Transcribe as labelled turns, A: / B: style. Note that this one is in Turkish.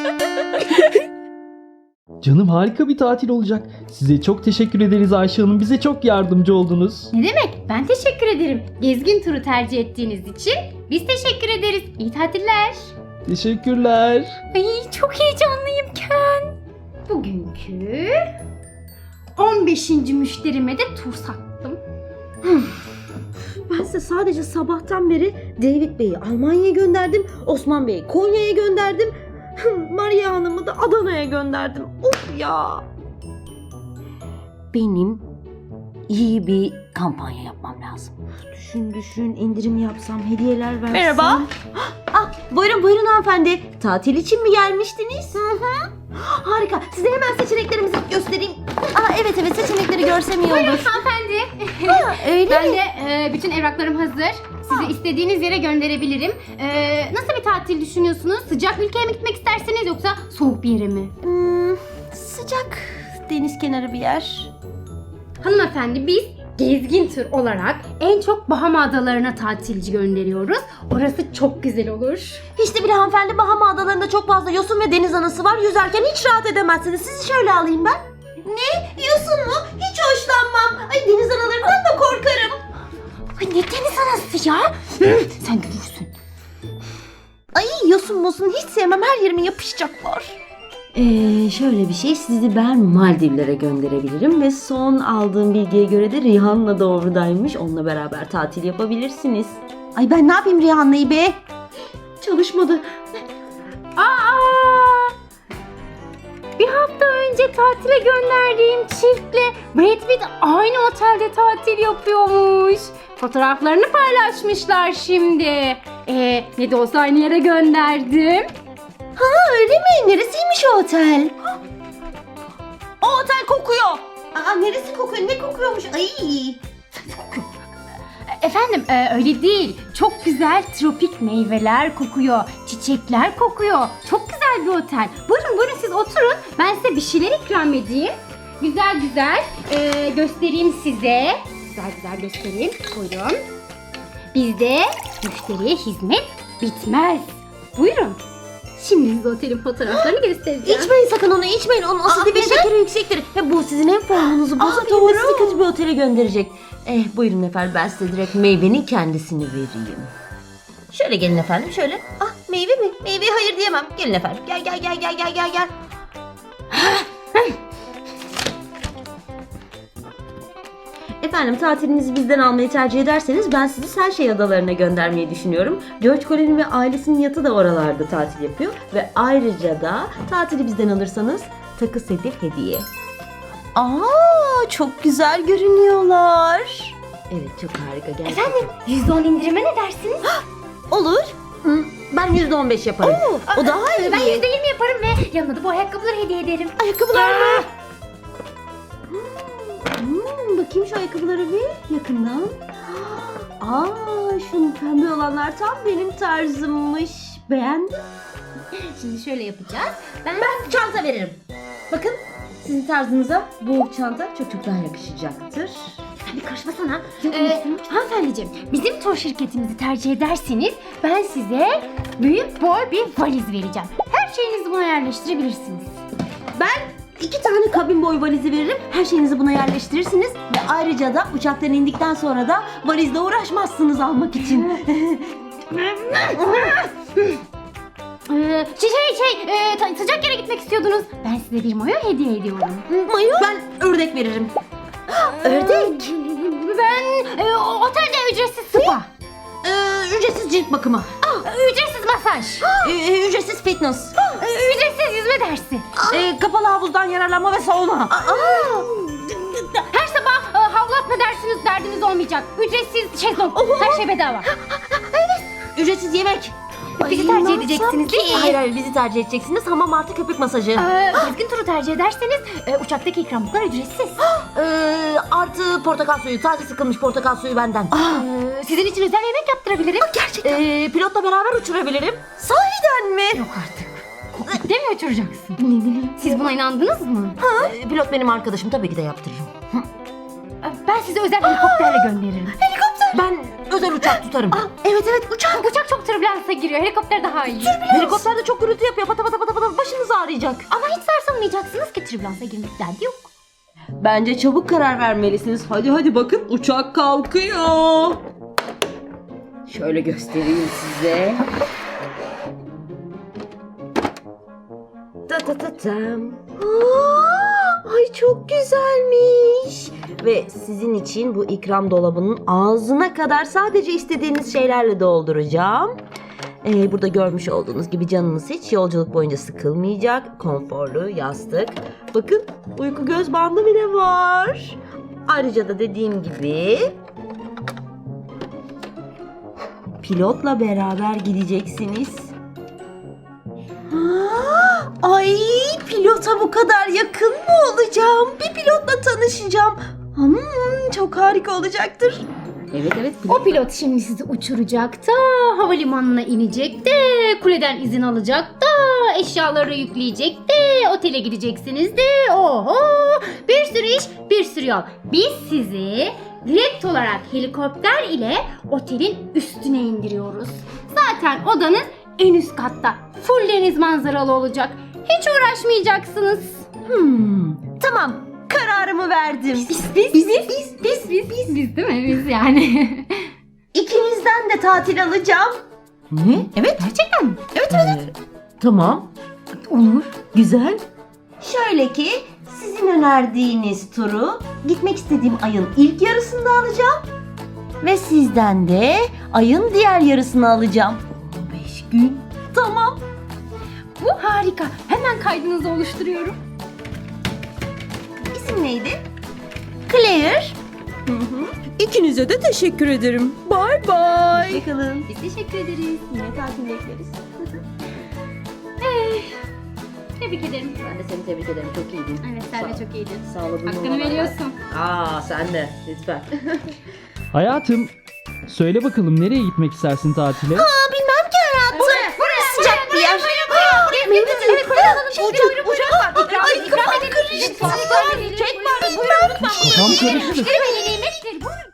A: Canım harika bir tatil olacak. Size çok teşekkür ederiz Ayşe Hanım. Bize çok yardımcı oldunuz.
B: Ne demek? Ben teşekkür ederim. Gezgin turu tercih ettiğiniz için biz teşekkür ederiz. İyi tatiller.
A: Teşekkürler.
B: Ay çok heyecanlıyım Ken. Bugünkü 15. müşterime de tur sattım.
C: Ben size sadece sabahtan beri David Bey'i Almanya'ya gönderdim. Osman Bey'i Konya'ya gönderdim. Maria Hanım'ı da Adana'ya gönderdim. Of ya. Benim iyi bir kampanya yapmam lazım. Düşün indirim yapsam, hediyeler versem. Merhaba. Buyurun hanımefendi. Tatil için mi gelmiştiniz? Hı. Harika. Size hemen seçeneklerimizi göstereyim. Evet seçenekleri görsem iyi olur.
B: Buyurun hanımefendi.
C: Öyle
B: Ben
C: mi?
B: de bütün evraklarım hazır. Sizi istediğiniz yere gönderebilirim. Nasıl bir tatil düşünüyorsunuz? Sıcak bir ülkeye mi gitmek isterseniz yoksa soğuk bir yere mi?
C: Sıcak deniz kenarı bir yer.
B: Hanımefendi biz gezgin tur olarak en çok Bahama Adalarına tatilci gönderiyoruz. Orası çok güzel olur.
C: Hiç de bile hanımefendi, Bahama Adaları'nda çok fazla yosun ve deniz anası var. Yüzerken hiç rahat edemezsiniz. Sizi şöyle alayım ben. Ne? Yosun mu? Hiç hoşlanmam. Ay, deniz analarından da korkarım.
B: Ay ne deniz anası ya? Sen görürsün.
C: Ay, yosun hiç sevmem. Her yerime yapışacaklar. Şöyle bir şey, sizi ben Maldivlere gönderebilirim ve son aldığım bilgiye göre de Rihanna da oradaymış. Onunla beraber tatil yapabilirsiniz. Ay, ben ne yapayım Rihanna'yı be? Çalışmadı.
B: Bir hafta önce tatile gönderdiğim çiftle Brad Pitt aynı otelde tatil yapıyormuş. Fotoğraflarını paylaşmışlar şimdi. Ne de olsa aynı yere gönderdim.
C: Öyle mi? Neresiymiş o otel? O otel kokuyor. Neresi kokuyor? Ne kokuyormuş? Ay.
B: Efendim öyle değil. Çok güzel tropik meyveler kokuyor. Çiçekler kokuyor. Çok güzel bir otel. Buyurun siz oturun. Ben size bir şeyler ikram edeyim. Güzel göstereyim size. Güzel göstereyim. Buyurun. Bizde müşteriye hizmet bitmez. Buyurun. Şimdi size otelin fotoğraflarını göstereceğim.
C: İçmeyin sakın onu, içmeyin. Onun asidi ve şekeri yüksektir. Bu sizin hem formunuzu bozabilir ve sizi kötü bir otele gönderecek. Buyurun efendim, ben size direkt meyvenin kendisini vereyim. Şöyle gelin efendim, şöyle. Meyve mi? Meyveye hayır diyemem. Gelin efendim. Gel. Efendim, tatilinizi bizden almayı tercih ederseniz ben sizi Selşey Adaları'na göndermeyi düşünüyorum. George Clooney ve ailesinin yatı da oralarda tatil yapıyor. Ve ayrıca da tatili bizden alırsanız takı seti hediye. Çok güzel görünüyorlar. Evet, çok harika gerçekten.
B: Efendim %10 indirime ne dersiniz?
C: Olur. Ben %15 yaparım. O daha iyi.
B: Ben %20 yaparım ve yanına da bu ayakkabıları hediye ederim.
C: Ayakkabılar mı? Bakayım şu ayakkabıları bir yakından. Şu pembe olanlar tam benim tarzımmış. Beğendim.
B: Şimdi şöyle yapacağız. Ben
C: Çanta veririm. Bakın, sizin tarzınıza bu çanta çok daha yakışacaktır.
B: bir karışmasana. Hanımefendiciğim, bizim tur şirketimizi tercih ederseniz ben size büyük boy bir valiz vereceğim. Her şeyinizi buna yerleştirebilirsiniz.
C: Ben 2 tane kabin boy valizi veririm. Her şeyinizi buna yerleştirirsiniz. Ve ayrıca da uçaktan indikten sonra da valizle uğraşmazsınız almak için.
B: Sıcak yere gitmek istiyordunuz. Ben size bir mayo hediye ediyorum.
C: Mayo? Ben ördek veririm. Ördek?
B: Ben otelde ücretsiz spa.
C: Ücretsiz cilt bakımı.
B: Ücretsiz masaj.
C: Ücretsiz fitness.
B: Ücretsiz yüzme dersi.
C: Kapalı havuzdan yararlanma ve sauna.
B: Her sabah havlu atma dersiniz, derdiniz olmayacak. Ücretsiz şezlong. Her şey bedava.
C: Ücretsiz yemek.
B: Bizi tercih edeceksiniz değil mi?
C: Hayır, bizi tercih edeceksiniz. Hamam artı köpük masajı.
B: Gezgin turu tercih ederseniz uçaktaki ikramlıklar ücretsiz.
C: Artı portakal suyu. Taze sıkılmış portakal suyu benden.
B: Sizin için özel yemek yaptırabilirim.
C: Gerçekten. Pilotla beraber uçurabilirim. Sahiden mi?
B: Yok artık. Kokpitte mi uçuracaksın? Siz buna inandınız mı?
C: Pilot benim arkadaşım. Tabii ki de yaptırırım.
B: Ben sizi özel helikopterle gönderirim.
C: Helikopter Ben özel uçak tutarım.
B: Evet uçak. Uçak çok türbülansa giriyor. Helikopter daha iyi.
C: Helikopter de çok gürültü yapıyor. Pata pata pata pata başınız ağrıyacak.
B: Ama hiç sarsılmayacaksınız ki türbülansa girmek derdi yok.
C: Bence çabuk karar vermelisiniz. Hadi bakın uçak kalkıyor. Şöyle göstereyim size. Ta ta ta tam. Ay çok güzelmiş. Ve sizin için bu ikram dolabının ağzına kadar sadece istediğiniz şeylerle dolduracağım. Burada görmüş olduğunuz gibi canınız hiç yolculuk boyunca sıkılmayacak. Konforlu yastık. Bakın uyku göz bandı bile var. Ayrıca da dediğim gibi pilotla beraber gideceksiniz. Ay pilota bu kadar yakın mı olacağım? Bir pilotla tanışacağım. Çok harika olacaktır. Evet.
B: O pilot şimdi sizi uçuracak da havalimanına inecek de kuleden izin alacak da eşyaları yükleyecek de otele gideceksiniz de oho bir sürü iş bir sürü yol. Biz sizi direkt olarak helikopter ile otelin üstüne indiriyoruz. Zaten odanız en üst katta. Full deniz manzaralı olacak. Hiç uğraşmayacaksınız.
C: Tamam, kararımı verdim.
B: Biz değil mi? Biz yani.
C: İkinizden de tatil alacağım. Ne? Evet.
B: Gerçekten mi?
C: Evet. Tamam.
B: Olur.
C: Güzel. Şöyle ki sizin önerdiğiniz turu gitmek istediğim ayın ilk yarısında alacağım. Ve sizden de ayın diğer yarısını alacağım. 15 gün. Tamam.
B: Bu harika. Hemen kaydınızı oluşturuyorum.
C: İsim neydi? Claire.
D: İkinize de teşekkür ederim. Bye bye.
C: Bakalım.
B: Biz teşekkür ederiz.
C: Yine tatil bekleriz.
B: Tebrik ederim.
C: Ben de seni tebrik ederim. Çok iyiydin.
B: Evet sen de çok iyiydin.
C: Sağladın.
B: Hakkını veriyorsun.
C: Sen de. Lütfen.
A: Hayatım, söyle bakalım nereye gitmek istersin tatile?
C: Bilmem ki hayatım.
B: Burası
C: sıcak bir yer.
B: Evet buyurun.
C: Uçak var.
B: Ay kafam karıştı.
A: Kafam karıştı.
B: Yemektir. Buyurun.